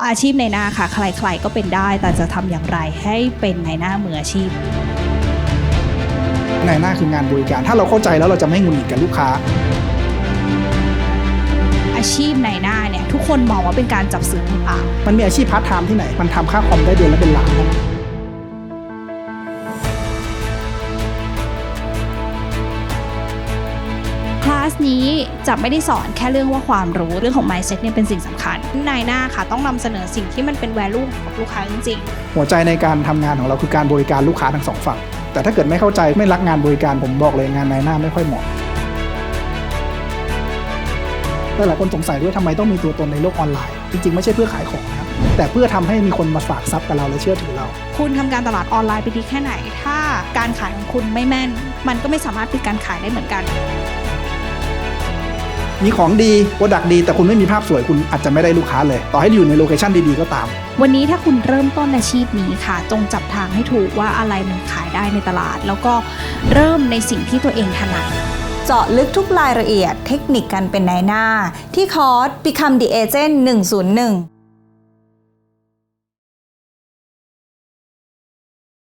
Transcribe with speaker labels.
Speaker 1: อาชีพนายหน้าค่ะใครๆก็เป็นได้แต่จะทำอย่างไรให้เป็นนายหน้ามืออาชีพ
Speaker 2: นายหน้าคืองานบริการถ้าเราเข้าใจแล้วเราจะไม่หงุดหงิดกับลูกค้า
Speaker 1: อาชีพนายหน้าเนี่ยทุกคนมองว่าเป็นการจับสื่อต่าง
Speaker 2: มันมีอาชีพพาร์ทไทม์ที่ไหนมันทำค่าคอมได้เดือนละเป็นล้านนะ
Speaker 1: คลาสนี้จะไม่ได้สอนแค่เรื่องว่าความรู้เรื่องของ mindset เนี่ยเป็นสิ่งสำคัญนายหน้าค่ะต้องนำเสนอสิ่งที่มันเป็น value กับลูกค้าจริง
Speaker 2: ๆหัวใจในการทำงานของเราคือการบริการลูกค้าทั้งสองฝั่งแต่ถ้าเกิดไม่เข้าใจไม่รักงานบริการผมบอกเลยงานนายหน้าไม่ค่อยเหมาะหลายคนสงสัยด้วยทำไมต้องมีตัวตนในโลกออนไลน์จริงๆไม่ใช่เพื่อขายของนะครับแต่เพื่อทำให้มีคนมาฝากทรัพย์กับเราและเชื่อถือเรา
Speaker 1: คุณทำการตลาดออนไลน์ไปดีแค่ไหนถ้าการขายของคุณไม่แม่นมันก็ไม่สามารถปิดการขายได้เหมือนกัน
Speaker 2: มีของดีโปรดักต์ดีแต่คุณไม่มีภาพสวยคุณอาจจะไม่ได้ลูกค้าเลยต่อให้อยู่ในโลเคชั่นดีๆก็ตาม
Speaker 1: วันนี้ถ้าคุณเริ่มต้นอาชีพนี้ค่ะจงจับทางให้ถูกว่าอะไรมันขายได้ในตลาดแล้วก็เริ่มในสิ่งที่ตัวเองถนัด
Speaker 3: เจาะลึกทุกรายละเอียดเทคนิคการเป็นนายหน้าที่คอร์ส Become the Agent 101